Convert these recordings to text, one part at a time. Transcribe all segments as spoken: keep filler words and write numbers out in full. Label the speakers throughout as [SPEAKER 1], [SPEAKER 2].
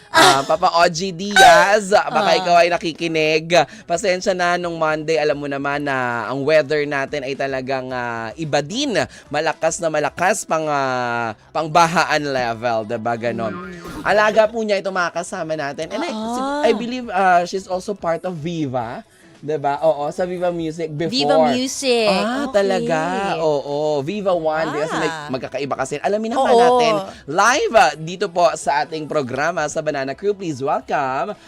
[SPEAKER 1] Ah, Papa Ogie Diaz, baka
[SPEAKER 2] Ah.
[SPEAKER 1] ikaw ay nakikinig. Pasensya na nung Monday, alam mo naman na ang weather natin ay talagang ah, iba din. Malakas na malakas pang ah, pangbahaan level, 'di ba ganon? Alaga po niya itong mga kasama natin. And I,
[SPEAKER 2] Ah.
[SPEAKER 1] I believe ah, she's also part of Viva. 'Di ba? Oo, sa Viva Music before.
[SPEAKER 2] Viva Music.
[SPEAKER 1] Ah,
[SPEAKER 2] Okay.
[SPEAKER 1] talaga. Oo, Viva One. Di kasi may
[SPEAKER 2] Ah.
[SPEAKER 1] magkakaiba kasi. Alamin naman
[SPEAKER 2] Oo.
[SPEAKER 1] natin live ah, dito po sa ating programa sa Banana Crew. Please welcome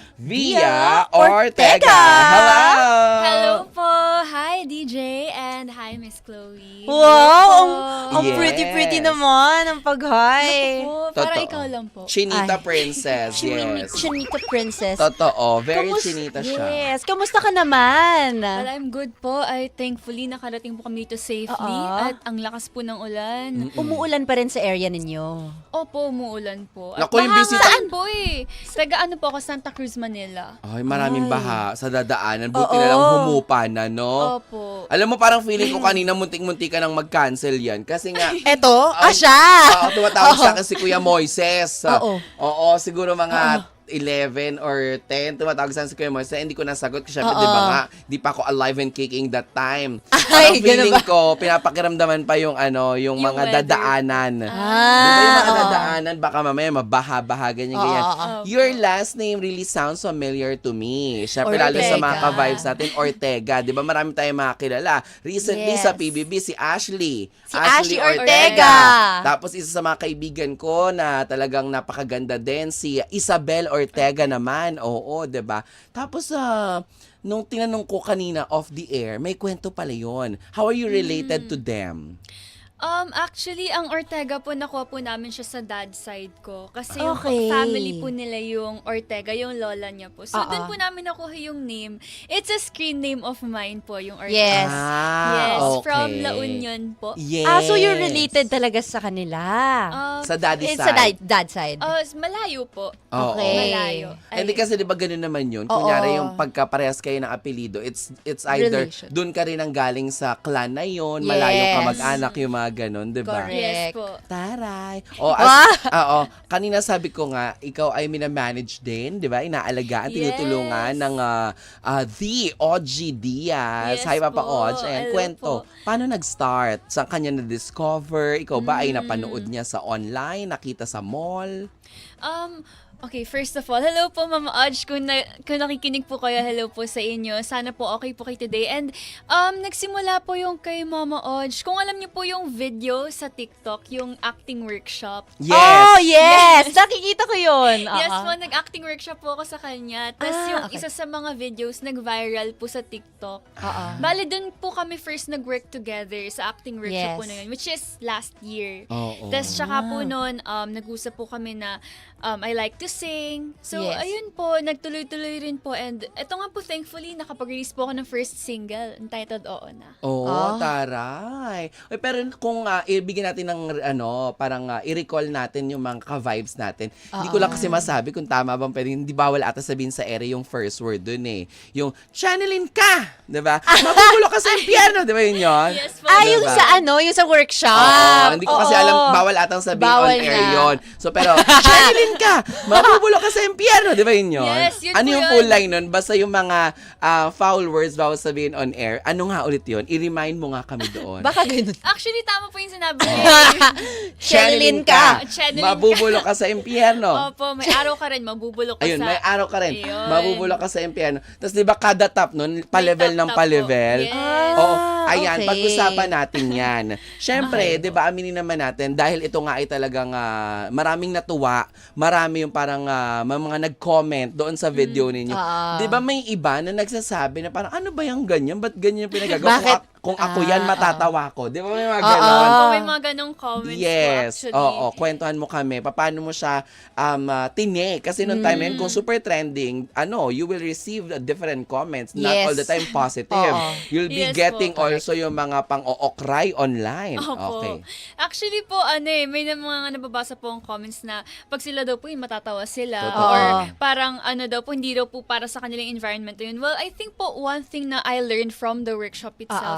[SPEAKER 1] Via
[SPEAKER 2] Via
[SPEAKER 1] Ortega.
[SPEAKER 2] Ortega.
[SPEAKER 1] Hello!
[SPEAKER 3] Hello po! Hi, D J! And hi, Miss Chloe.
[SPEAKER 2] Wow! Ang, ang
[SPEAKER 1] Yes.
[SPEAKER 2] pretty-pretty naman ang pag-hi.
[SPEAKER 3] Po, para
[SPEAKER 1] Totoo.
[SPEAKER 3] ikaw lang po.
[SPEAKER 1] Chinita
[SPEAKER 2] Ay.
[SPEAKER 1] Princess.
[SPEAKER 2] Chini-
[SPEAKER 1] Yes.
[SPEAKER 2] Chinita Princess.
[SPEAKER 1] Totoo. Very
[SPEAKER 2] Kamus-
[SPEAKER 1] chinita siya.
[SPEAKER 2] Yes. Kamusta ka naman?
[SPEAKER 3] Well, I'm good po. I thankfully nakarating po kami dito safely.
[SPEAKER 2] Oo.
[SPEAKER 3] At ang lakas po ng ulan.
[SPEAKER 2] Umuulan pa rin sa area ninyo.
[SPEAKER 3] Opo, umuulan po. At
[SPEAKER 1] Naku, yung bisita-
[SPEAKER 3] mahangaan po eh. Taga ano po ako, Santa Cruz, Manila.
[SPEAKER 1] Ay, maraming
[SPEAKER 2] Ay.
[SPEAKER 1] baha sa dadaanan. Buti
[SPEAKER 2] Oo.
[SPEAKER 1] na lang humupa na, no?
[SPEAKER 3] Opo.
[SPEAKER 1] Alam mo, parang feeling ko kanina muntik-muntik ka nang mag-cancel yan. Kasi nga,
[SPEAKER 2] Eto? Ah,
[SPEAKER 1] Ay,
[SPEAKER 2] siya!
[SPEAKER 1] Oo, tumatawag
[SPEAKER 2] Oo.
[SPEAKER 1] sa akin si Kuya Moises.
[SPEAKER 2] Oo.
[SPEAKER 1] Oo, siguro mga eleven or ten, tumatawag sa akin si Kuya Moises. Hindi ko nasagot kasi syempre,
[SPEAKER 2] Oo.
[SPEAKER 1] di ba nga, di pa ako alive and kicking that time.
[SPEAKER 2] Ay,
[SPEAKER 1] Parang
[SPEAKER 2] ganun
[SPEAKER 1] feeling
[SPEAKER 2] ba?
[SPEAKER 1] ko, pinapakiramdaman pa yung ano, yung,
[SPEAKER 3] Yung
[SPEAKER 1] mga
[SPEAKER 3] weather.
[SPEAKER 1] dadaanan.
[SPEAKER 2] Ah,
[SPEAKER 1] Di ba yung mga
[SPEAKER 2] oo.
[SPEAKER 1] dadaanan, baka mamaya mabaha-baha, ganyan, ganyan.
[SPEAKER 2] Oo, oo, oo.
[SPEAKER 1] Your last name really sounds familiar to me. Syempre, lalo sa mga
[SPEAKER 2] Ortega.
[SPEAKER 1] ka-vibes natin, Ortega. Di ba marami tayong mga kilala. Recently
[SPEAKER 2] Yes.
[SPEAKER 1] sa P B B, si Ashley.
[SPEAKER 2] Si Ashley Ortega.
[SPEAKER 1] Tapos isa sa mga kaibigan ko na talagang napakaganda din, si Isabel Ortega naman. Oo, 'di ba? Tapos ah, nung tinanong ko kanina off the air, may kwento pala 'yon. How are you related to them?
[SPEAKER 3] Um, actually, ang Ortega po, nakuha po namin siya sa dad side ko. Kasi yung
[SPEAKER 2] Okay.
[SPEAKER 3] family po nila yung Ortega, yung lola niya po. So,
[SPEAKER 2] Oo.
[SPEAKER 3] dun po namin nakuha yung name. It's a screen name of mine po, yung Ortega.
[SPEAKER 2] Yes.
[SPEAKER 1] Ah,
[SPEAKER 3] Yes,
[SPEAKER 1] okay.
[SPEAKER 3] from La Union po.
[SPEAKER 1] Yes.
[SPEAKER 2] Ah, so you're related talaga sa kanila.
[SPEAKER 3] Um,
[SPEAKER 1] Sa daddy
[SPEAKER 2] It's
[SPEAKER 1] side.
[SPEAKER 2] sa dad, dad side.
[SPEAKER 3] uh, malayo po.
[SPEAKER 1] Oo.
[SPEAKER 2] Okay.
[SPEAKER 3] Malayo.
[SPEAKER 1] Hindi
[SPEAKER 3] Ay,
[SPEAKER 1] kasi 'di ba ganun naman 'yun.
[SPEAKER 2] Oo.
[SPEAKER 1] Kunyari yung pagkaparehas kayo ng apelyido, it's it's either
[SPEAKER 2] Relation.
[SPEAKER 1] doon ka rin ang galing sa clan na 'yon, malayo ka
[SPEAKER 2] Yes.
[SPEAKER 1] mag-anak yung mga ganun, 'di ba?
[SPEAKER 2] Correct.
[SPEAKER 3] yes po.
[SPEAKER 1] Taray. O, as, oo, kanina sabi ko nga, ikaw ay minamanage din, di ba? Inaalagaan,
[SPEAKER 3] Yes.
[SPEAKER 1] tinutulungan ng ah, ah, The Ogie Diaz.
[SPEAKER 3] Yes
[SPEAKER 1] Hi, Papa
[SPEAKER 3] po.
[SPEAKER 1] Odge. Ayan,
[SPEAKER 3] Hello
[SPEAKER 1] kwento.
[SPEAKER 3] po.
[SPEAKER 1] Paano nag-start? Saan kanya na-discover? Ikaw ba ay
[SPEAKER 3] Mm.
[SPEAKER 1] napanood niya sa online? Nakita sa mall?
[SPEAKER 3] Um, okay, first of all, hello po Mama Odge. Kung, na, kung nakikinig po kayo, hello po sa inyo. Sana po okay po kayo today. And um, nagsimula po yung kay Mama Odge. Kung alam niyo po yung video sa TikTok, yung acting workshop.
[SPEAKER 1] Yes!
[SPEAKER 2] Oh, yes! Nakikita ko yun.
[SPEAKER 3] Yes
[SPEAKER 2] Oo.
[SPEAKER 3] po, nag-acting workshop po ako sa kanya. Tapos
[SPEAKER 2] Ah,
[SPEAKER 3] yung
[SPEAKER 2] okay.
[SPEAKER 3] isa sa mga videos, nag-viral po sa TikTok.
[SPEAKER 2] Oo.
[SPEAKER 3] Bale, dun po kami first nag-work together sa acting workshop
[SPEAKER 2] Yes.
[SPEAKER 3] po na yun, which is last year.
[SPEAKER 1] Oo.
[SPEAKER 3] Tapos tsaka po
[SPEAKER 2] Ah.
[SPEAKER 3] noon, um, nag-usap po kami na um, I like to sing. So,
[SPEAKER 2] Yes.
[SPEAKER 3] ayun po, nagtuloy-tuloy rin po. And ito nga po, thankfully, nakapag-release po ako ng first single entitled Oo Na.
[SPEAKER 1] Oo,
[SPEAKER 2] Ah.
[SPEAKER 1] taray. Uy, pero kung uh, ibigyan natin ng ano, parang ah, i-recall natin yung mga ka-vibes natin. Hindi ko lang kasi masabi kung tama bang pwede. Hindi bawal ata sabihin sa ere yung first word dun eh. Yung channelin ka, 'di ba? Mabubulo ka sa impyerno, 'di ba yun yun?
[SPEAKER 3] Yes po.
[SPEAKER 2] Ah,
[SPEAKER 1] Diba?
[SPEAKER 2] yung sa ano, yung sa workshop.
[SPEAKER 1] Oo, hindi ko kasi
[SPEAKER 2] Oo.
[SPEAKER 1] alam, bawal atang sabihin
[SPEAKER 2] Bawal
[SPEAKER 1] on air
[SPEAKER 2] na.
[SPEAKER 1] yon. So, pero, channelin ka! Mabubulo ka sa impyerno, di ba yun yun?
[SPEAKER 3] Yes, yun
[SPEAKER 1] ano
[SPEAKER 3] po
[SPEAKER 1] yung
[SPEAKER 3] yun.
[SPEAKER 1] full line nun? Basta yung mga ah, foul words bawal sabihin on air. Ano nga ulit yun? I-remind mo nga kami doon.
[SPEAKER 2] Baka ganun.
[SPEAKER 3] Actually, tama po yung sinabi niyo.
[SPEAKER 2] Channelin ka.
[SPEAKER 3] Channelin ka.
[SPEAKER 1] Mabubulo ka sa impyerno.
[SPEAKER 3] Opo, may araw ka rin, mabubulok ka
[SPEAKER 1] Ayun,
[SPEAKER 3] sa...
[SPEAKER 1] may araw ka rin.
[SPEAKER 3] Ayun.
[SPEAKER 1] Mabubulo ka sa impyerno. Tapos di ba kada top nun, pa-level ng
[SPEAKER 3] top-top po.
[SPEAKER 1] pa-level?
[SPEAKER 3] Yes.
[SPEAKER 1] Oo,
[SPEAKER 2] Ah,
[SPEAKER 1] ayan,
[SPEAKER 2] okay.
[SPEAKER 1] pag-usapan natin yan. Siyempre, di ba, aminin naman natin, dahil ito nga ay talagang ah, maraming natuwa, marami yung parang ah, may mga nag-comment doon sa video ninyo.
[SPEAKER 2] Ah.
[SPEAKER 1] Di ba may iba na nagsasabi na parang, ano ba yung ganyan? Ba't ganyan yung pinagagawa? Kung,
[SPEAKER 2] Bakit?
[SPEAKER 1] ak- kung ako yan,
[SPEAKER 2] Ah,
[SPEAKER 1] matatawa ko. Di ba may mga
[SPEAKER 2] Oo.
[SPEAKER 1] ganon?
[SPEAKER 3] Opo, may mga ganong comments
[SPEAKER 1] Yes.
[SPEAKER 3] po, actually.
[SPEAKER 1] Oo, kwentuhan mo kami. Paano mo siya um, uh, tinik? Kasi nung time na yun,
[SPEAKER 2] Mm.
[SPEAKER 1] kung super trending, ano, you will receive uh, different comments. Not
[SPEAKER 2] Yes.
[SPEAKER 1] all the time positive.
[SPEAKER 2] Oo.
[SPEAKER 1] You'll be
[SPEAKER 3] Yes
[SPEAKER 1] getting
[SPEAKER 3] po.
[SPEAKER 1] also yung mga pang-ookray online.
[SPEAKER 3] Opo.
[SPEAKER 1] Okay.
[SPEAKER 3] Actually po, ano eh, may na mga nababasa po ang comments na pag sila daw po yung matatawa sila.
[SPEAKER 1] Totoo.
[SPEAKER 3] Or
[SPEAKER 2] Oo.
[SPEAKER 3] parang ano daw po, hindi daw po para sa kanilang environment yun. Well, I think po one thing na I learned from the workshop
[SPEAKER 2] Oo.
[SPEAKER 3] itself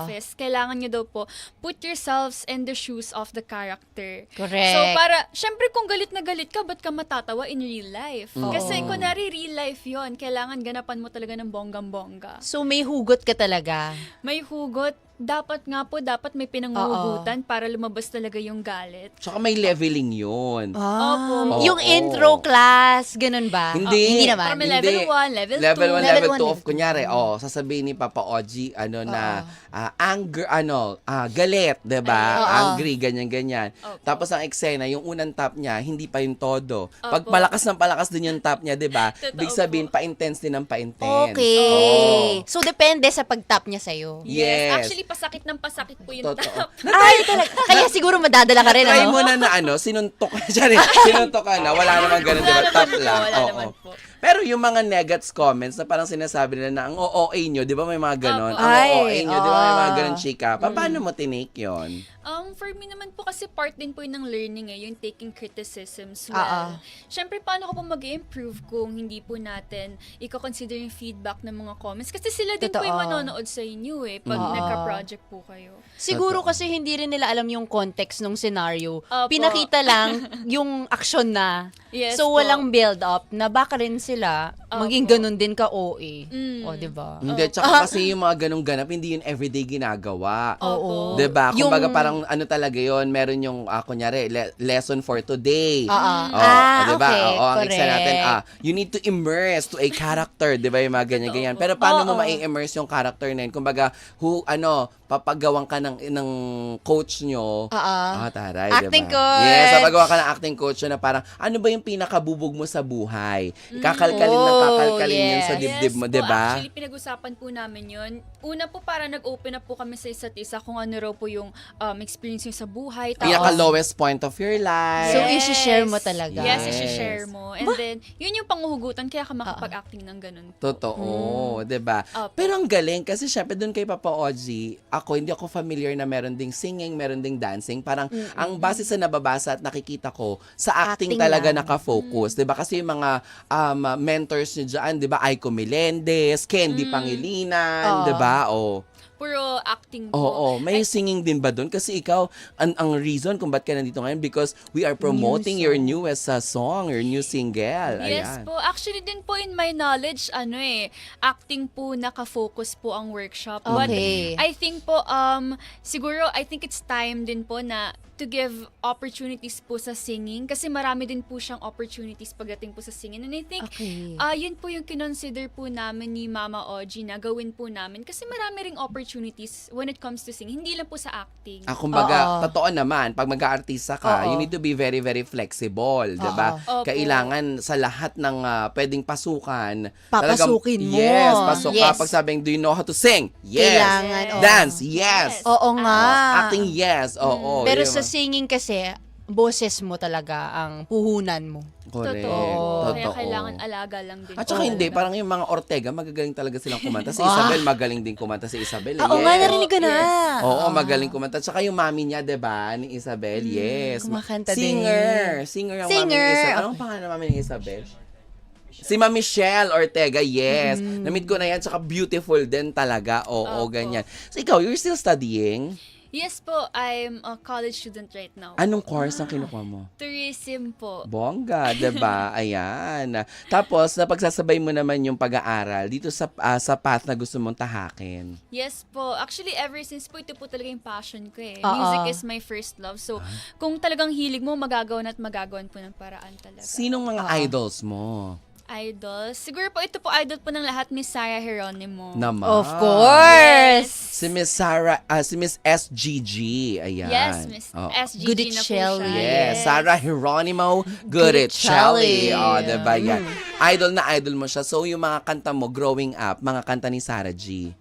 [SPEAKER 3] office, kailangan nyo daw po put yourselves in the shoes of the character.
[SPEAKER 2] Correct.
[SPEAKER 3] So, para, syempre kung galit na galit ka, ba't ka matatawa in real life?
[SPEAKER 2] Oo.
[SPEAKER 3] Kasi kunwari real life yon, kailangan ganapan mo talaga ng bonggang-bongga.
[SPEAKER 2] So, may hugot ka talaga.
[SPEAKER 3] May hugot, dapat nga po, dapat may pinanguhugutan para lumabas talaga yung galit.
[SPEAKER 1] Tsaka may leveling yun.
[SPEAKER 3] Opo.
[SPEAKER 2] Yung
[SPEAKER 1] Oo.
[SPEAKER 2] intro class, ganun ba?
[SPEAKER 1] Hindi.
[SPEAKER 2] Oh, hindi naman.
[SPEAKER 3] Para may level one, level two.
[SPEAKER 1] Level one,
[SPEAKER 2] Level
[SPEAKER 1] level
[SPEAKER 2] one,
[SPEAKER 1] two
[SPEAKER 2] level
[SPEAKER 1] of, kunyari, oh, sasabihin ni Papa Oji, ano na,
[SPEAKER 2] Oo.
[SPEAKER 1] ah, anger, ano, ah, galit, diba?
[SPEAKER 2] Oo.
[SPEAKER 1] Angry, ganyan-ganyan.
[SPEAKER 3] Opo.
[SPEAKER 1] Tapos ang eksena, yung unang tap niya, hindi pa yung todo. Pag
[SPEAKER 3] Opo.
[SPEAKER 1] palakas ng palakas din yung tap niya, diba?
[SPEAKER 3] Totoo
[SPEAKER 1] Big sabihin,
[SPEAKER 3] po.
[SPEAKER 1] pa-intense din ng pa-intense.
[SPEAKER 2] Okay.
[SPEAKER 1] Oo.
[SPEAKER 2] So, depende sa pag-tap niya sa'yo.
[SPEAKER 1] Yes.
[SPEAKER 3] Actually, pasakit ng pasakit po yung
[SPEAKER 1] Totoo.
[SPEAKER 3] tap.
[SPEAKER 2] Ay, talaga. Kaya siguro madadala ka rin,
[SPEAKER 1] Try
[SPEAKER 2] ano?
[SPEAKER 1] mo na na ano, sinuntok ka dyan eh. Sinuntok ka na, wala naman ganun,
[SPEAKER 3] Wala
[SPEAKER 1] diba? Tap
[SPEAKER 3] naman po,
[SPEAKER 1] lang.
[SPEAKER 3] wala
[SPEAKER 1] Oo.
[SPEAKER 3] naman po.
[SPEAKER 1] Pero yung mga negats comments na parang sinasabi nila na ang O O A nyo, di ba may mga ganon?
[SPEAKER 3] Opo.
[SPEAKER 1] Ang
[SPEAKER 2] Ay,
[SPEAKER 1] O O A nyo, di ba may mga
[SPEAKER 2] oo.
[SPEAKER 1] ganon, chika? Pa, paano mo tinake yun?
[SPEAKER 3] Um, for me naman po kasi part din po yun ng learning eh, yung taking criticisms well.
[SPEAKER 2] Ah, ah.
[SPEAKER 3] Siyempre, paano ko po mag-improve kung hindi po natin i-consider yung feedback ng mga comments? Kasi sila din po yung
[SPEAKER 2] Totoo.
[SPEAKER 3] manonood sa inyo eh, pag
[SPEAKER 2] Oo.
[SPEAKER 3] nagka-project po kayo.
[SPEAKER 2] Siguro
[SPEAKER 1] Totoo.
[SPEAKER 2] kasi hindi rin nila alam yung context ng scenario.
[SPEAKER 3] Opo.
[SPEAKER 2] Pinakita lang yung action na.
[SPEAKER 3] Yes
[SPEAKER 2] so,
[SPEAKER 3] po.
[SPEAKER 2] walang build-up na baka rin sila
[SPEAKER 3] Opo.
[SPEAKER 2] maging ganun din ka O A.
[SPEAKER 3] Mm.
[SPEAKER 2] O, diba?
[SPEAKER 1] Hindi, tsaka kasi yung mga ganong ganap, hindi yun everyday ginagawa.
[SPEAKER 2] Oo.
[SPEAKER 1] Di ba?
[SPEAKER 2] Yung-
[SPEAKER 1] Kumbaga parang ano talaga yun, meron yung, ah, kunyari, le- lesson for today.
[SPEAKER 2] Oo.
[SPEAKER 1] Oh,
[SPEAKER 2] Ah,
[SPEAKER 1] di ba?
[SPEAKER 2] okay.
[SPEAKER 1] Oo, ang
[SPEAKER 2] Correct.
[SPEAKER 1] isa natin, ah, you need to immerse to a character, di ba? Yung mga ganyan-ganyan. Pero paano mo
[SPEAKER 2] Oo.
[SPEAKER 1] ma-immerse yung character na yun? Kumbaga, who, ano, papagawan ka ng, ng coach nyo.
[SPEAKER 2] Oo.
[SPEAKER 1] Ah, taray,
[SPEAKER 2] Acting
[SPEAKER 1] di ba?
[SPEAKER 2] coach.
[SPEAKER 1] Yes, papagawa ka ng acting coach nyo na parang, ano ba yung pinakabubog mo sa buhay? Kakalkalin ng
[SPEAKER 2] Oh,
[SPEAKER 1] kakalkalin yun sa
[SPEAKER 2] yes.
[SPEAKER 1] dibdib mo,
[SPEAKER 3] po,
[SPEAKER 1] di ba?
[SPEAKER 3] Actually, pinag-usapan po namin yun. Una po, para nag-open up po kami sa isa't isa kung ano raw po yung um, experience nyo sa buhay. Tapos,
[SPEAKER 1] Pinaka-lowest point of your life.
[SPEAKER 2] So, isi-share mo talaga.
[SPEAKER 3] Yes,
[SPEAKER 1] Yes.
[SPEAKER 3] isi-share mo. And then, yun yung panguhugutan, kaya ka makapag-acting ng ganun.
[SPEAKER 1] Totoo, 'di ba?
[SPEAKER 3] Opo.
[SPEAKER 1] Pero ang galing kasi syempre doon kay Papa Oji, ako hindi ako familiar na meron ding singing, meron ding dancing. Parang ang base sa nababasa at nakikita ko, sa acting,
[SPEAKER 2] Acting
[SPEAKER 1] talaga
[SPEAKER 2] lang.
[SPEAKER 1] naka-focus, 'di ba? Kasi yung mga um, mentors niyo diyan, 'di ba? Aiko Melendez, Candy Pangilinan,
[SPEAKER 2] Oo.
[SPEAKER 1] 'di ba? Oh.
[SPEAKER 3] Puro acting po.
[SPEAKER 1] Oo, may singing din ba doon? Kasi ikaw, ang, ang reason kung ba't ka nandito ngayon, because we are promoting
[SPEAKER 2] New
[SPEAKER 1] your
[SPEAKER 2] song.
[SPEAKER 1] newest uh, song, your new single.
[SPEAKER 3] Yes
[SPEAKER 1] Ayan.
[SPEAKER 3] po. Actually din po in my knowledge, ano eh, acting po naka-focus po ang workshop.
[SPEAKER 2] Okay.
[SPEAKER 3] But I think po, um, siguro, I think it's time din po na to give opportunities po sa singing kasi marami din po siyang opportunities pagdating po sa singing. And I think,
[SPEAKER 2] Okay.
[SPEAKER 3] ah yun po yung kinonsider po namin ni Mama Oji na gawin po namin kasi marami ring opportunities when it comes to singing. Hindi lang po sa acting.
[SPEAKER 1] Ah, kumbaga,
[SPEAKER 2] Oo.
[SPEAKER 1] totoo naman, pag mag-aartista ka,
[SPEAKER 2] Oo.
[SPEAKER 1] you need to be very, very flexible, di ba?
[SPEAKER 3] Opo.
[SPEAKER 1] Kailangan sa lahat ng ah, pwedeng pasukan,
[SPEAKER 2] Papasukin
[SPEAKER 1] talagang-
[SPEAKER 2] mo.
[SPEAKER 1] Yes, pasok ka.
[SPEAKER 2] Yes.
[SPEAKER 1] Pag sabing, do you know how to sing? Yes.
[SPEAKER 2] Kailangan, oo.
[SPEAKER 1] Dance? Yes.
[SPEAKER 2] Oo nga.
[SPEAKER 1] Oh, acting? Yes. Oo.
[SPEAKER 2] Pero
[SPEAKER 1] di
[SPEAKER 2] sa
[SPEAKER 1] ba?
[SPEAKER 2] singing kasi, boses mo talaga ang puhunan mo.
[SPEAKER 1] Correct.
[SPEAKER 3] Totoo. Kaya
[SPEAKER 1] Totoo.
[SPEAKER 3] kailangan alaga lang din.
[SPEAKER 1] At saka
[SPEAKER 3] po
[SPEAKER 1] hindi,
[SPEAKER 3] talaga.
[SPEAKER 1] parang yung mga Ortega, magagaling talaga silang kumanta. Si
[SPEAKER 2] Ah.
[SPEAKER 1] Isabel, magaling din kumanta si Isabel. eh.
[SPEAKER 2] Oo
[SPEAKER 1] yes.
[SPEAKER 2] nga, narinig ko na.
[SPEAKER 1] Oo, magaling kumanta. At saka yung mami niya, 'di ba, ni Isabel, yes.
[SPEAKER 2] kumakanta
[SPEAKER 1] Singer.
[SPEAKER 2] din.
[SPEAKER 1] Singer ang
[SPEAKER 2] Singer.
[SPEAKER 1] mami ni Isabel. Anong pangalan ng mami ni Isabel? Si Ma'am Michelle Ortega, yes. Namit ko na yan. Tsaka beautiful din talaga. Oo,
[SPEAKER 3] Opo.
[SPEAKER 1] ganyan. So ikaw, you're still studying?
[SPEAKER 3] Yes po, I'm a college student right now.
[SPEAKER 1] Anong course ang kinukuha mo?
[SPEAKER 3] Tourism po.
[SPEAKER 1] Bongga, 'di ba? Ayan. Tapos, napagsasabay mo naman yung pag-aaral dito sa ah, sa path na gusto mong tahakin.
[SPEAKER 3] Yes po. Actually, ever since po, ito po talaga yung passion ko eh.
[SPEAKER 2] Oo.
[SPEAKER 3] Music is my first love. So, kung talagang hilig mo, magagawan at magagawan po ng paraan talaga.
[SPEAKER 1] Sinong mga idols mo?
[SPEAKER 3] Idol? Siguro po, ito po idol po ng lahat, Miss Sarah Geronimo.
[SPEAKER 1] Naman.
[SPEAKER 2] Of course.
[SPEAKER 1] Si Miss Sarah, ah, si Miss S G G. Ayan.
[SPEAKER 3] Yes, Miss
[SPEAKER 1] Oh.
[SPEAKER 3] S G G na po
[SPEAKER 2] Goodichelli.
[SPEAKER 3] siya.
[SPEAKER 1] Yes, Sarah Geronimo Goodichelli.
[SPEAKER 2] Goodichelli.
[SPEAKER 1] Oh, diba yan? Idol na idol mo siya. So, yung mga kanta mo growing up, mga kanta ni Sarah G.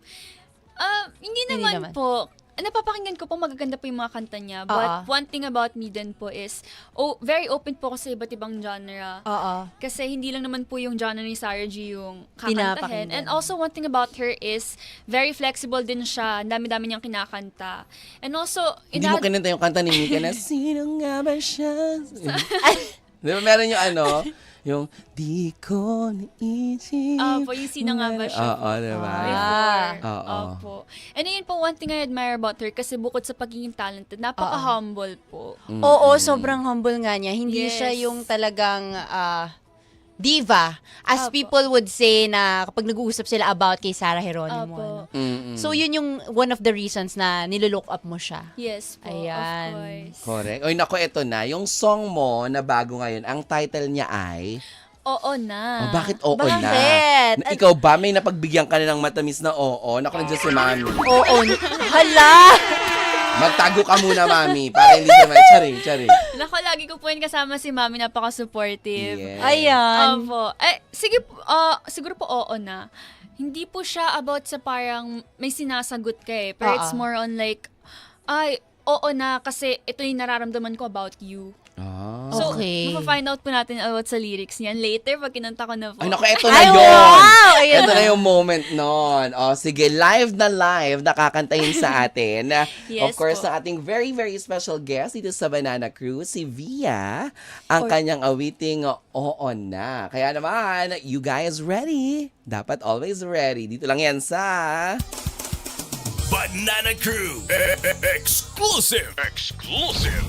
[SPEAKER 3] Ah, hindi
[SPEAKER 2] Hindi
[SPEAKER 3] naman,
[SPEAKER 2] naman.
[SPEAKER 3] po. Napapakinggan ko po, magaganda po yung mga kanta niya. But
[SPEAKER 2] Oo.
[SPEAKER 3] one thing about me din po is, oh, very open po ako sa iba't ibang genre.
[SPEAKER 2] Oo.
[SPEAKER 3] Kasi hindi lang naman po yung genre ni Sarah G yung kakantahin.
[SPEAKER 2] Pinapakinggan.
[SPEAKER 3] And also, one thing about her is, very flexible din siya. Ang dami-dami niyang kinakanta. And also,
[SPEAKER 1] Hindi mo
[SPEAKER 3] ina-
[SPEAKER 1] kinanta yung kanta ni Mika na, sino nga ba siya? Di ba meron yung ano, Yung, di ko naisip.
[SPEAKER 3] Ah, po, yung sino nga ba siya?
[SPEAKER 1] Oo, diba?
[SPEAKER 3] Before.
[SPEAKER 1] Oo.
[SPEAKER 3] Opo. And yun po, one thing I admire about her kasi bukod sa pagiging talented, napaka-humble po.
[SPEAKER 1] Mm.
[SPEAKER 2] Oo, sobrang humble nga niya. Hindi
[SPEAKER 3] Yes.
[SPEAKER 2] siya yung talagang ah, diva. As
[SPEAKER 3] Opo.
[SPEAKER 2] people would say na kapag nag-uusap sila about kay Sarah Geronimo.
[SPEAKER 3] Opo.
[SPEAKER 2] ano.
[SPEAKER 1] Mm-mm.
[SPEAKER 2] So, yun yung one of the reasons na nilolook up mo siya.
[SPEAKER 3] Yes po,
[SPEAKER 2] Ayan.
[SPEAKER 3] of course.
[SPEAKER 1] Correct. Oy, nako, eto na. Yung song mo na bago ngayon, ang title niya ay...
[SPEAKER 3] Oo na.
[SPEAKER 1] Oh, bakit oo na?
[SPEAKER 2] Bakit?
[SPEAKER 1] Na, ikaw ba, may napagbigyan ka na ng matamis na oo? Naku, nandiyan si Mami.
[SPEAKER 2] Oo. Hala!
[SPEAKER 1] Magtago ka muna, Mami, para hindi naman. Charing, charing.
[SPEAKER 3] Nako, lagi ko po yun kasama si Mami, napaka-supportive.
[SPEAKER 1] Yes.
[SPEAKER 2] Ayan.
[SPEAKER 3] Opo. Eh, sige, po, ah, siguro po oo na. Hindi po siya about sa parang may sinasagot ka eh. Pero
[SPEAKER 2] Oo.
[SPEAKER 3] it's more on like, ay, oo na kasi ito yung nararamdaman ko about you.
[SPEAKER 1] Ah.
[SPEAKER 3] So,
[SPEAKER 2] Okay.
[SPEAKER 3] mapafind out po natin about sa lyrics niyan later pag kinanta ko na po.
[SPEAKER 1] Ay, naku, eto na
[SPEAKER 2] Ay,
[SPEAKER 1] yun.
[SPEAKER 2] wow! Ayan
[SPEAKER 1] Ito
[SPEAKER 2] na.
[SPEAKER 1] na yung moment nun. O, sige, live na live, nakakantahin sa atin. Of
[SPEAKER 3] Yes
[SPEAKER 1] course,
[SPEAKER 3] po.
[SPEAKER 1] ang ating very, very special guest dito sa Banana Crew, si Via, ang
[SPEAKER 3] Or-
[SPEAKER 1] kanyang awiting Oo Na. Kaya naman, you guys ready? Dapat always ready. Dito lang yan sa...
[SPEAKER 4] Banana Crew. Exclusive. Exclusive.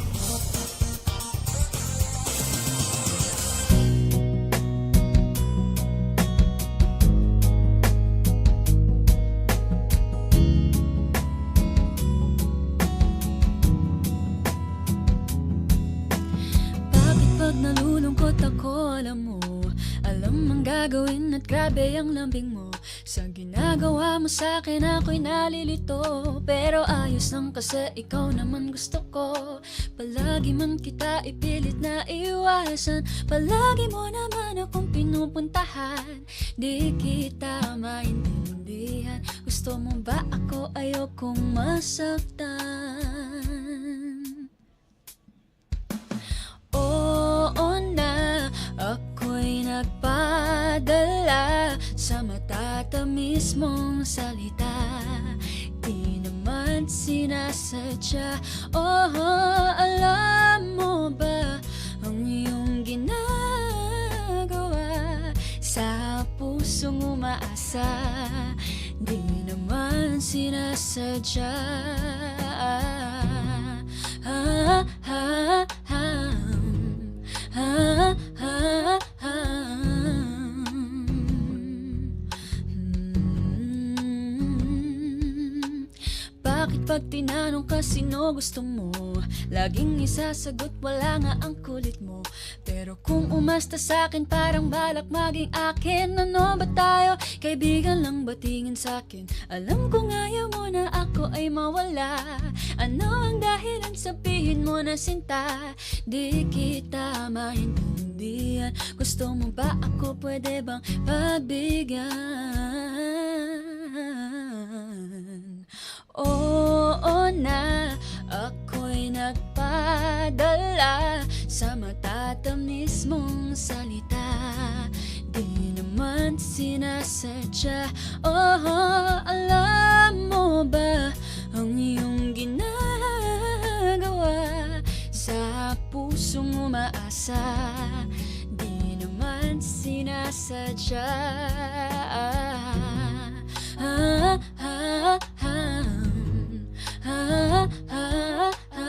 [SPEAKER 3] Bakit pag nalulungkot ako, alam mo, alam ang gagawin at grabe ang lambing mo. Sa ginagawa mo sa'kin ako'y nalilito, pero ayos lang kasi ikaw naman gusto ko. Palagi man kita ipilit na iwasan, palagi mo naman akong pinupuntahan. Di kita maintindihan, gusto mo ba ako ayokong masaktan? Oo na, ako'y nagpadala sa matatamis mong salita. Di naman sinasadya. Oh, alam mo ba ang iyong ginagawa sa pusong umaasa? Di naman sinasadya. Ha, ha, ha. Ha, ha, ha. Hmm. Bakit pag tinanong ka sino gusto mo, laging isasagot wala nga ang kulit mo. Pero kung umasta sa'kin parang balak maging akin. Ano ba tayo? Kaibigan lang ba tingin sa'kin? Alam kong ayaw mo na ako ay mawala. Ano ang dahilan? Sabihin mo na sinta. Di kita maintindihan. Gusto mo ba ako? Pwede bang pagbigyan? Oo na, ako'y nagpadala sa matatamis mong salita. Di naman sinasadya. Oh, alam mo ba ang iyong ginagawa sa pusong umaasa? Di naman sinasadya. Ha, ha, ha. Ha, ha, ha.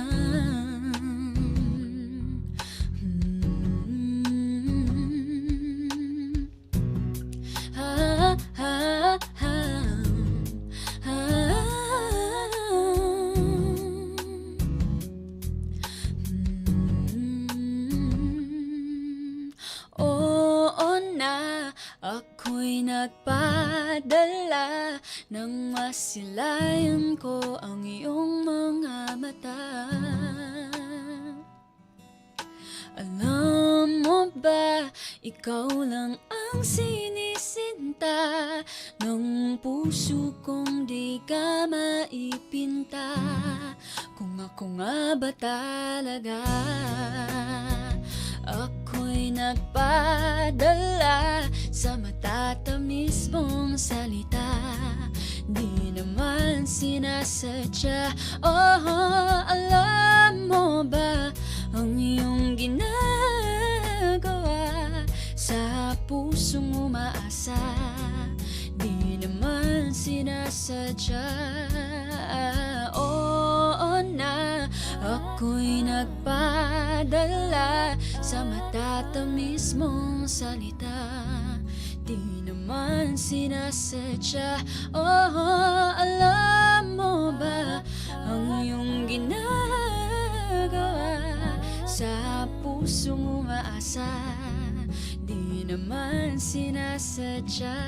[SPEAKER 3] Hmm. Ha, ha, ha. Ha. Hmm. Oo na, ako'y nagpadala nang masilayan ko ang iyong mga mata. Alam mo ba, ikaw lang ang sinisinta ng puso kong di ka maipinta. Kung ako nga ba talaga, ako'y nagpadala sa matatamis mong salita. Di naman sinasadya. Oh, alam mo ba ang iyong ginagawa pusong umaasa, di naman sinasadya. Oo na, ako'y nagpadala sa matatamis mong salita, di naman sinasadya. Oo, alam mo ba ang iyong ginagawa sa pusong umaasa, di naman sinasadya.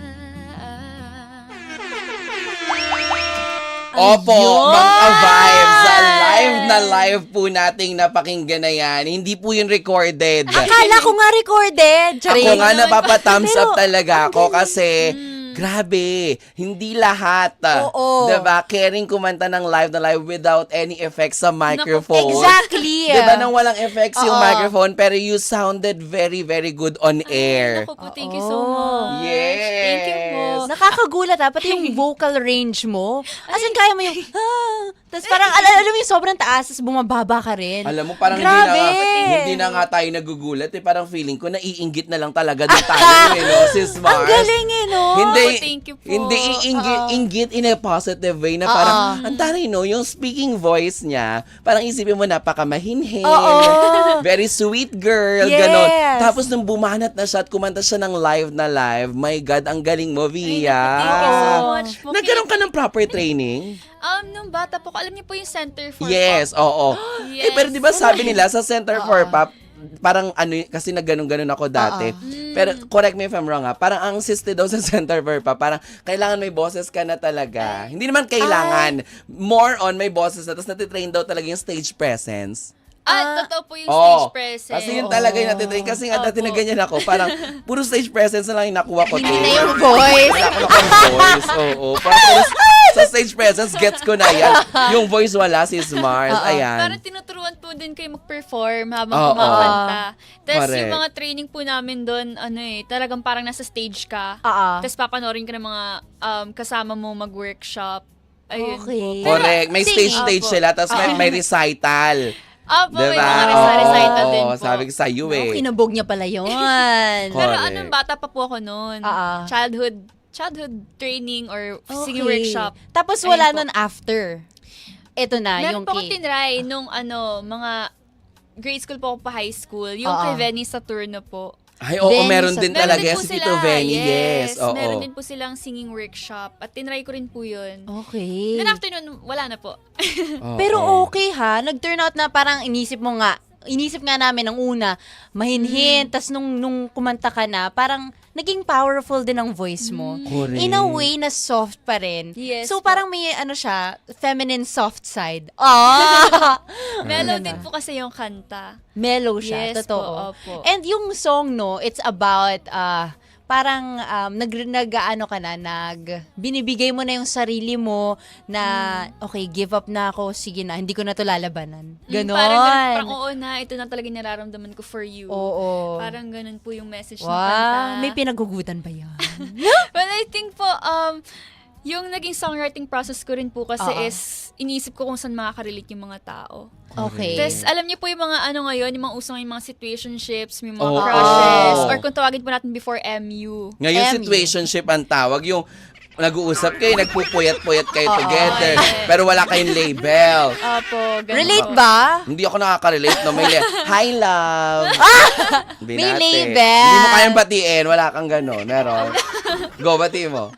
[SPEAKER 1] Opo,
[SPEAKER 2] Ayun!
[SPEAKER 1] mga vibes. Sa live na live po nating napakinggan na yan. Hindi po yun recorded.
[SPEAKER 2] Akala ko nga recorded. Charing.
[SPEAKER 1] Ako nga napapa-thumbs
[SPEAKER 2] Pero,
[SPEAKER 1] up talaga ako kasi grabe, hindi lahat.
[SPEAKER 2] Oo.
[SPEAKER 1] Diba? Caring kumanta ng live na live without any effects sa microphone.
[SPEAKER 2] Exactly.
[SPEAKER 1] Diba nang walang effects yung
[SPEAKER 2] Oo.
[SPEAKER 1] microphone pero you sounded very very good on air.
[SPEAKER 3] Naku po, thank you so
[SPEAKER 2] Oo.
[SPEAKER 3] much.
[SPEAKER 1] Yes.
[SPEAKER 3] Thank you po.
[SPEAKER 2] Nakakagulat ha, pati yung vocal range mo. As in, kaya mo yung, ah, tapos parang, al- alam mo yung sobrang taas, tapos bumababa ka rin.
[SPEAKER 1] Alam mo, parang
[SPEAKER 2] Grabe.
[SPEAKER 1] hindi na, nga, hindi na nga tayo nagugulat eh. Parang feeling ko, naiinggit na lang talaga din tayo eh, no, sis Mars.
[SPEAKER 2] Ang galing eh, no?
[SPEAKER 1] Hindi,
[SPEAKER 3] Oh, thank you po.
[SPEAKER 1] hindi iinggit,
[SPEAKER 2] Oo.
[SPEAKER 1] inggit in a positive way na parang, ang taray no, yung speaking voice niya, parang isipin mo, napakamahinhin,
[SPEAKER 2] Oo.
[SPEAKER 1] very sweet girl,
[SPEAKER 2] Yes.
[SPEAKER 1] ganon. Tapos nung bumanat na siya at kumanta siya ng live na live, my God, ang galing mo, Via.
[SPEAKER 3] Thank you so much po.
[SPEAKER 1] Nagkaroon ka ng proper training?
[SPEAKER 3] Um, nung bata po, alam niyo po yung Center for
[SPEAKER 1] Yes,
[SPEAKER 3] Pop?
[SPEAKER 1] oo.
[SPEAKER 3] Yes.
[SPEAKER 1] Eh, pero di ba sabi nila sa Center for Pop, parang ano, y- kasi nagganon-ganon ako dati. Pero correct me if I'm wrong ha, parang ang siste daw sa Center for Pop, parang kailangan may boses ka na talaga. Hindi naman kailangan. More on may boses na, tapos natitrain daw talaga yung stage presence.
[SPEAKER 3] Ah, totoo po yung
[SPEAKER 1] Oo.
[SPEAKER 3] stage presence.
[SPEAKER 1] Kasi yun talaga yung natitrain. Kasi nga dati
[SPEAKER 3] Opo.
[SPEAKER 1] na ganyan ako, parang puro stage presence na lang yung nakuha ko.
[SPEAKER 2] Hindi
[SPEAKER 1] te.
[SPEAKER 2] na yung voice.
[SPEAKER 1] Wala ako nakang voice. Oo. Parang puro sa stage presence, gets ko na yan. Yung voice wala, sis Mars. Ayan.
[SPEAKER 3] Parang tinuturuan po din kayo mag-perform habang
[SPEAKER 1] Oo.
[SPEAKER 3] kumakanta. Tapos
[SPEAKER 1] Correct.
[SPEAKER 3] yung mga training po namin doon, ano eh, talagang parang nasa stage ka.
[SPEAKER 2] Oo.
[SPEAKER 3] Tapos papanorin ka ng mga um, kasama mo mag-workshop. Ayun
[SPEAKER 2] Okay.
[SPEAKER 3] po.
[SPEAKER 1] Correct. May stage
[SPEAKER 3] Singing.
[SPEAKER 1] stage
[SPEAKER 3] Opo.
[SPEAKER 1] sila, tapos may, may recital.
[SPEAKER 3] Opo, may
[SPEAKER 1] Diba?
[SPEAKER 3] mga recital recital
[SPEAKER 1] Oo,
[SPEAKER 3] din po.
[SPEAKER 1] sabi ko sa iyo
[SPEAKER 2] Oh,
[SPEAKER 1] eh.
[SPEAKER 2] kinabog niya pala yun.
[SPEAKER 1] Correct.
[SPEAKER 3] Pero anong bata pa po ako noon.
[SPEAKER 2] Oo.
[SPEAKER 3] Childhood childhood training or singing
[SPEAKER 2] Okay.
[SPEAKER 3] workshop.
[SPEAKER 2] Tapos
[SPEAKER 3] Ayun
[SPEAKER 2] wala
[SPEAKER 3] po.
[SPEAKER 2] nun after. Ito na,
[SPEAKER 3] Meron
[SPEAKER 2] yung
[SPEAKER 3] po akong
[SPEAKER 2] key.
[SPEAKER 3] tinry nung ano, mga grade school po ako pa high school. Yung
[SPEAKER 2] Oo.
[SPEAKER 3] kay Venny Saturno po.
[SPEAKER 1] Ay, oo,
[SPEAKER 2] Venny
[SPEAKER 1] meron
[SPEAKER 2] sa-
[SPEAKER 1] din
[SPEAKER 3] Meron
[SPEAKER 1] talaga
[SPEAKER 3] din
[SPEAKER 1] yan
[SPEAKER 3] po
[SPEAKER 1] si
[SPEAKER 3] sila.
[SPEAKER 1] Tito Venny. Yes, oo.
[SPEAKER 3] Meron din po silang singing workshop. At tinry ko rin po yun.
[SPEAKER 2] Okay.
[SPEAKER 3] Then after nun, wala na po.
[SPEAKER 1] Oo.
[SPEAKER 2] Pero okay ha, nag-turn out na parang inisip mo nga, inisip nga namin ng una, mahinhin,
[SPEAKER 3] Mm.
[SPEAKER 2] tas nung, nung kumanta ka na, parang naging powerful din ang voice mo.
[SPEAKER 1] Correct.
[SPEAKER 2] In a way na soft pa rin.
[SPEAKER 3] Yes
[SPEAKER 2] So
[SPEAKER 3] po.
[SPEAKER 2] parang may ano siya, feminine soft side. Ah!
[SPEAKER 3] Mellow din po kasi yung kanta.
[SPEAKER 2] Mellow siya,
[SPEAKER 3] Yes
[SPEAKER 2] totoo.
[SPEAKER 3] po, opo.
[SPEAKER 2] And yung song, no, it's about, uh, parang um, nag, nag ano ka na, nag, binibigay mo na yung sarili mo na, okay, give up na ako, sige na, hindi ko na to lalabanan.
[SPEAKER 3] Mm,
[SPEAKER 2] Ganon.
[SPEAKER 3] Parang, ganun, parang oo na, ito na talaga yung nararamdaman ko for you.
[SPEAKER 2] Oo.
[SPEAKER 3] Parang ganun po yung message ng
[SPEAKER 2] Wow,
[SPEAKER 3] kanta.
[SPEAKER 2] may pinagugutan ba yan?
[SPEAKER 3] Well, I think po, um, yung naging songwriting process ko rin po kasi
[SPEAKER 2] Oo.
[SPEAKER 3] is, iniisip ko kung saan makaka-relate yung mga tao.
[SPEAKER 2] Okay.
[SPEAKER 3] Tapos, alam niyo po yung mga ano ngayon, yung mga usong yung mga situationships, yung mga
[SPEAKER 1] Oo.
[SPEAKER 3] crushes, or kung tawagin po natin before M U.
[SPEAKER 1] Ngayon,
[SPEAKER 2] M U.
[SPEAKER 1] situationship ang tawag. Yung nag-uusap kayo, nagpupuyat-puyat kayo
[SPEAKER 2] Oo.
[SPEAKER 1] together,
[SPEAKER 3] Yes.
[SPEAKER 1] pero wala kayong label.
[SPEAKER 3] Opo, ganun
[SPEAKER 2] Relate
[SPEAKER 3] po.
[SPEAKER 2] ba?
[SPEAKER 1] Hindi ako nakaka-relate, no? May le- Hi, love. Binate.
[SPEAKER 2] May label.
[SPEAKER 1] Hindi mo kayang batiin, wala kang gano'n. Meron. Go, bati mo.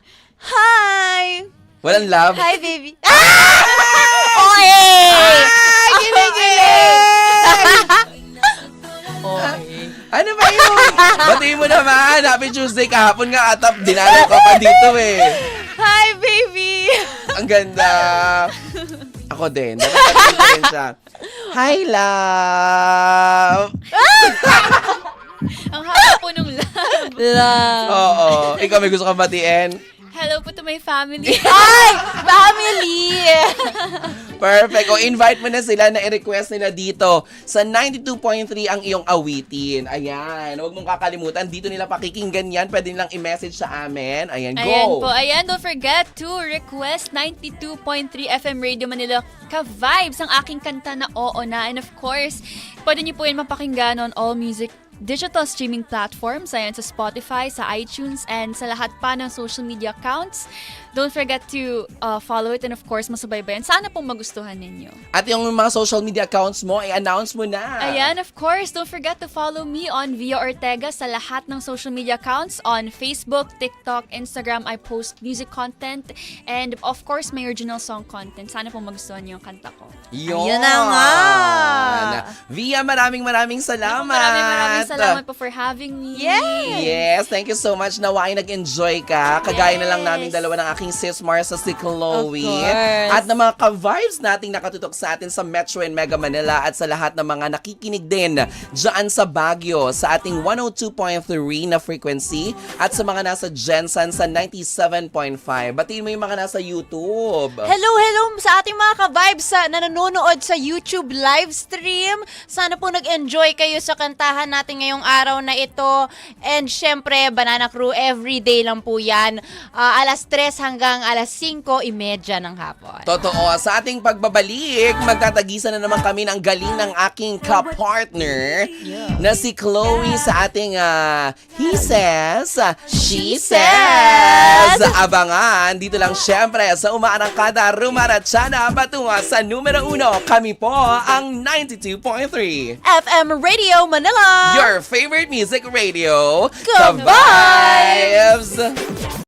[SPEAKER 2] Hi!
[SPEAKER 1] Walang love?
[SPEAKER 2] Hi, baby. Ah! Oy! Ay,
[SPEAKER 1] Ano ba yun? Batiin mo naman. Happy Tuesday. Kahapon nga atap. Dinalaw ka pa dito eh.
[SPEAKER 2] Hi, baby!
[SPEAKER 1] Ang ganda. Ako din. Dapat batiin ko rin siya. Hi, love.
[SPEAKER 3] Ang haba po nung love.
[SPEAKER 2] Love.
[SPEAKER 1] Oo. Ikaw may gusto kang batiin?
[SPEAKER 3] Hello po to my family.
[SPEAKER 2] Ay! Family!
[SPEAKER 1] Perfect. O invite mo na sila na i-request nila dito sa ninety-two point three ang iyong awitin. Ayan. Huwag mong kakalimutan. Dito nila pakikinggan yan. Pwede nilang i-message sa amin. Ayan, go.
[SPEAKER 3] Ayan po. Ayan, don't forget to request ninety-two point three F M Radio Manila ka-vibes ang aking kanta na Oo Na. And of course, pwede niyo po yun mapakinggan on all music digital streaming platforms. Ayan, sa Spotify, sa iTunes, and sa lahat pa ng social media accounts. Don't forget to uh, follow it and of course, masubaybayan. Sana pong magustuhan ninyo.
[SPEAKER 1] At yung mga social media accounts mo, i-announce mo na.
[SPEAKER 3] Ayan, of course, don't forget to follow me on Via Ortega sa lahat ng social media accounts on Facebook, TikTok, Instagram. I post music content and of course, my original song content. Sana po magustuhan niyo yung kanta ko.
[SPEAKER 1] Yun.
[SPEAKER 2] Ayun na nga.
[SPEAKER 1] Via, maraming maraming salamat.
[SPEAKER 3] Maraming maraming salamat po for having me.
[SPEAKER 2] Yes!
[SPEAKER 1] Yes, thank you so much. Nawa ay nag-enjoy ka. Kagaya na lang
[SPEAKER 3] Yes.
[SPEAKER 1] namin dalawa ng aking sis Marsa si Chloe.
[SPEAKER 2] Of course.
[SPEAKER 1] At ng mga ka-vibes nating nakatutok sa atin sa Metro and Mega Manila at sa lahat ng mga nakikinig din dyan sa Baguio sa ating one oh two point three na frequency at sa mga nasa Jensen sa ninety-seven point five. Batiin mo yung mga nasa YouTube.
[SPEAKER 2] Hello, hello sa ating mga ka-vibes sa nanonood sa YouTube live stream. Sana po nag-enjoy kayo sa kantahan natin ngayong araw na ito. And syempre, Banana Crew, everyday lang po yan. Ah, alas tres hanggang alas singko imedya ng hapon.
[SPEAKER 1] Totoo, sa ating pagbabalik, magtatagisan na naman kami ng galing ng aking ka-partner na si Chloe sa ating uh, He Says, She Says. Abangan, dito lang syempre sa Umaarangkada, Rumaratsana, patungo sa numero uno. Kami po ang ninety-two point three.
[SPEAKER 2] F M Radio Manila!
[SPEAKER 1] Your favorite music radio,
[SPEAKER 2] Ka-vibes!
[SPEAKER 1] Ka-Vibes!